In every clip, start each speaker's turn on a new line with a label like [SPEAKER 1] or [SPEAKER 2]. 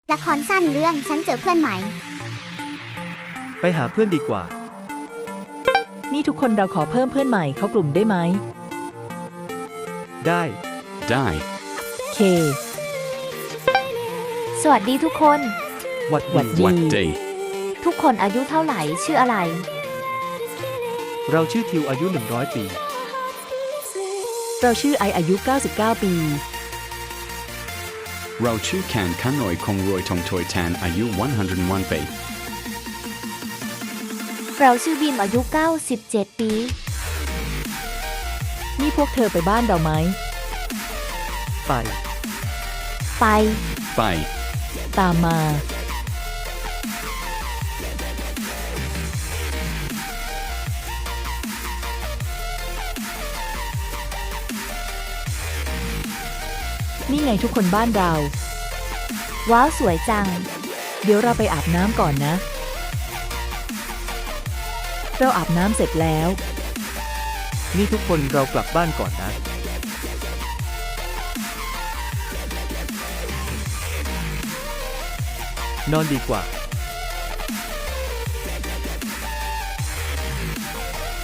[SPEAKER 1] ละครสั้นเรื่องฉันเจอเพื่อนใหม่
[SPEAKER 2] ไปหาเพื่อนดีกว่า
[SPEAKER 3] นี่ทุกคนเราขอเพิ่มเพื่อนใหม่เข้ากลุ่มได้ไหม
[SPEAKER 2] ได้
[SPEAKER 4] Die.
[SPEAKER 3] เค
[SPEAKER 5] สวัสดีทุกคน
[SPEAKER 2] หวัด
[SPEAKER 3] หวัด
[SPEAKER 2] ดี
[SPEAKER 3] ดี
[SPEAKER 4] What day?
[SPEAKER 5] ทุกคนอายุเท่าไหร่ชื่ออะไร
[SPEAKER 2] เราชื่อทิวอายุ100 ปี
[SPEAKER 3] เราชื่อไออายุ 99 ปี
[SPEAKER 4] เราชื่อแคนคันนอยคงรวยทงทอยแทนอายุ101 ปี
[SPEAKER 5] เราชื่อบีมอายุ 97 ปี
[SPEAKER 3] นี่พวกเธอไปบ้านเราไหม
[SPEAKER 2] ไป
[SPEAKER 5] ไป
[SPEAKER 4] ไป
[SPEAKER 3] ตามมา นี่ไงทุกคนบ้านเรา
[SPEAKER 5] ว้าวสวยจัง
[SPEAKER 3] เดี๋ยวเราไปอาบน้ำก่อนนะ เราอาบน้ำเสร็จแล้ว
[SPEAKER 2] นี่ทุกคนเรากลับบ้านก่อนนะ นอนดีกว่า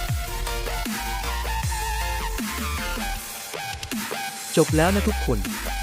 [SPEAKER 2] จบแล้วนะทุกคน